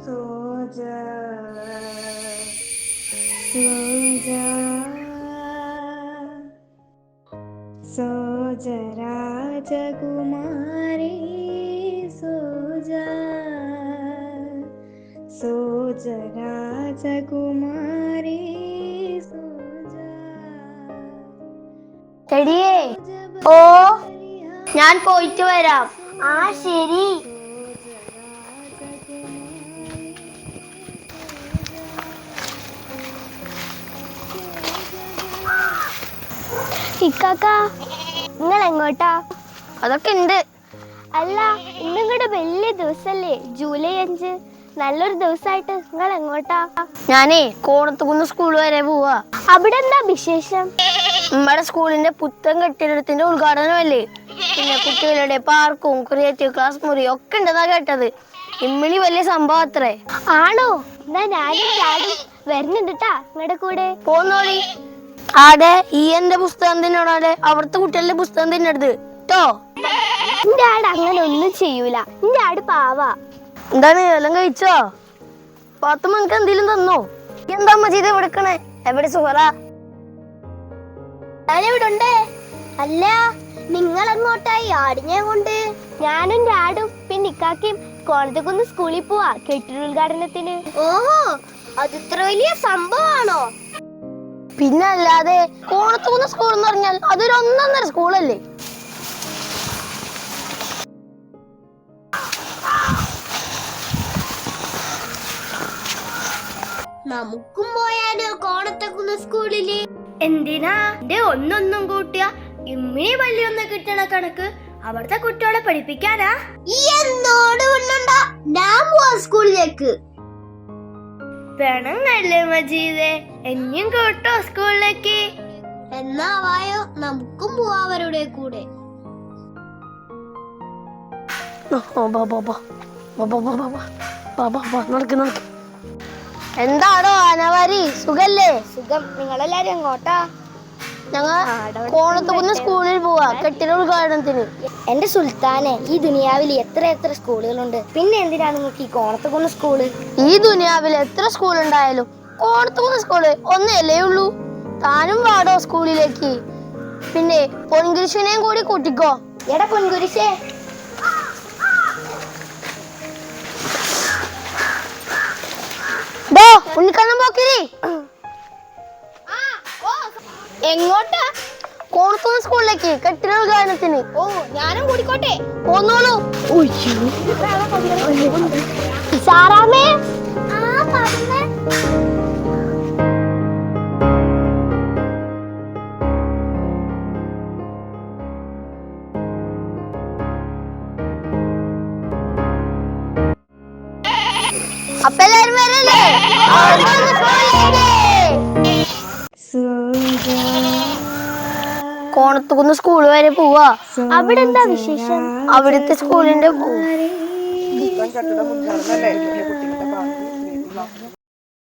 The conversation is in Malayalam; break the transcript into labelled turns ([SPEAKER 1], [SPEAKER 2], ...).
[SPEAKER 1] सो जा सो जा सो जा राजकुमारी सो जा सो जा राजकुमारी सो जा
[SPEAKER 2] ചെടിയേ ഓ ഞാൻ പോയിട്ട് വരാം. ആ ശരി. ഇക്കാക്ക നിങ്ങൾ എങ്ങോട്ടാ? അതൊക്കെ ഉണ്ട്. അല്ല ഇന്നും കൂടെ വലിയ ദിവസല്ലേ, ജൂലൈ 5. നല്ലൊരു ദിവസമായിട്ട് നിങ്ങൾ എങ്ങോട്ടാ? ഞാനേ കോണത്തുകുന്ന് സ്കൂൾ വരെ പോവാ. അവിടെ എന്താ വിശേഷം? നമ്മുടെ സ്കൂളിന്റെ പുത്തൻ കെട്ടിടത്തിന്റെ ഉദ്ഘാടനമല്ലേ. പിന്നെ കുട്ടികളുടെ പാർക്കും ക്രിയേറ്റീവ് ക്ലാസ് മുറിയും ഒക്കെ ഉണ്ടെന്നാ കേട്ടത്. ഇമ്മിണി വലിയ സംഭവം അത്രേ. ആണോ? എന്നാ ഞാനും ചാടും വരുന്നുണ്ടാ നിങ്ങളുടെ കൂടെ. പോന്നോളി. ആടെ ഈ എന്റെ പുസ്തകം തിന്നോടെ, അവിടുത്തെ കുട്ടികളുടെ പുസ്തകം തിന്നരുത് കേട്ടോ. എന്റെ ആട് അങ്ങനെ ഒന്നും ചെയ്യൂല. എന്റെ ആട് പാവാ. എന്താണ് എല്ലാം കഴിച്ചോ? പാത്തുമ്മ എനിക്ക് എന്തെങ്കിലും തന്നോ? എന്താ മജീദ് വിളിക്കണേ? എവിടെ സുഹറ? ഞാനിവിടെ ഉണ്ട്. അല്ല നിങ്ങൾ എങ്ങോട്ടായി ആടിനെ കൊണ്ട്? ഞാനും ആടും പിന്നെ ഇക്കാക്കും കോണത്തുകുന്ന് സ്കൂളിൽ പോവാ കെട്ടിടോദ്ഘാടനത്തിന്. ഓഹോ, അത് ഇത്ര വലിയ സംഭവമാണോ? പിന്നെ അല്ലാതെ, കോണത്തുകുന്ന് സ്കൂൾ എന്ന് പറഞ്ഞാൽ അതൊരു ഒന്നൊന്നര സ്കൂളല്ലേ. നമുക്കും പോയാലോ കോണത്തുകുന്ന് സ്കൂളില്? എന്തിനാ? ഒന്നൊന്നും കൂട്ടിയ ഇമ്മിണി പള്ളിയൊന്ന് കിട്ടണ കണക്ക് അവിടുത്തെ കുട്ടികളെ പഠിപ്പിക്കാനാ. ഞാൻ പോവാ സ്കൂളിലേക്ക്. പെണങ്ങല്ലേ മജീദേ, എന്നെയും കേട്ടോ സ്കൂളിലേക്ക്. എന്നാ വായോ, നമുക്കും പോവാ അവരുടെ കൂടെ. എന്താണോ അനവാരി, സുഖല്ലേ? സുഖം. നിങ്ങളെല്ലാരും എങ്ങോട്ടാ? ഞങ്ങൾ കോണത്തുകുന്ന് സ്കൂളിൽ പോവാ കെട്ടിട ഉദ്ഘാടനത്തിന്. എന്റെ സുൽത്താനെ, ഈ ദുനിയാവിൽ എത്ര എത്ര സ്കൂളുകളുണ്ട്, പിന്നെ എന്തിനാണ് നിങ്ങൾക്ക് ഈ കോണത്തുകുന്ന് സ്കൂള്? ഈ ദുനിയാവിൽ എത്ര സ്കൂൾ ഉണ്ടായാലും കോണത്തുകുന്ന് സ്കൂള് ഒന്നല്ലേ ഉള്ളൂ. താനും വാടോ സ്കൂളിലേക്ക്. പിന്നെ പൊൻകുരിശിനെയും കൂടി കൂട്ടിക്കോ. എടാ പൊൻകുരിശേ, ഉണ്ണിക്കണ്ണം പോക്കിരി. എങ്ങോട്ടാ? കോണത്തുകുന്ന് സ്കൂളിലേക്ക് കെട്ടിട ഉദ്ഘാടനത്തിന്. ഓ, ഞാനും കൂടിക്കോട്ടെ? പോന്നോളൂ. സാറാമേ. അപ്പൊ എല്ലാരും വരല്ലേ? കോണത്തുകുന്ന് സ്കൂൾ വരെ പോവാ. അവിടെ എന്താ വിശേഷം? അവിടുത്തെ സ്കൂളിന്റെ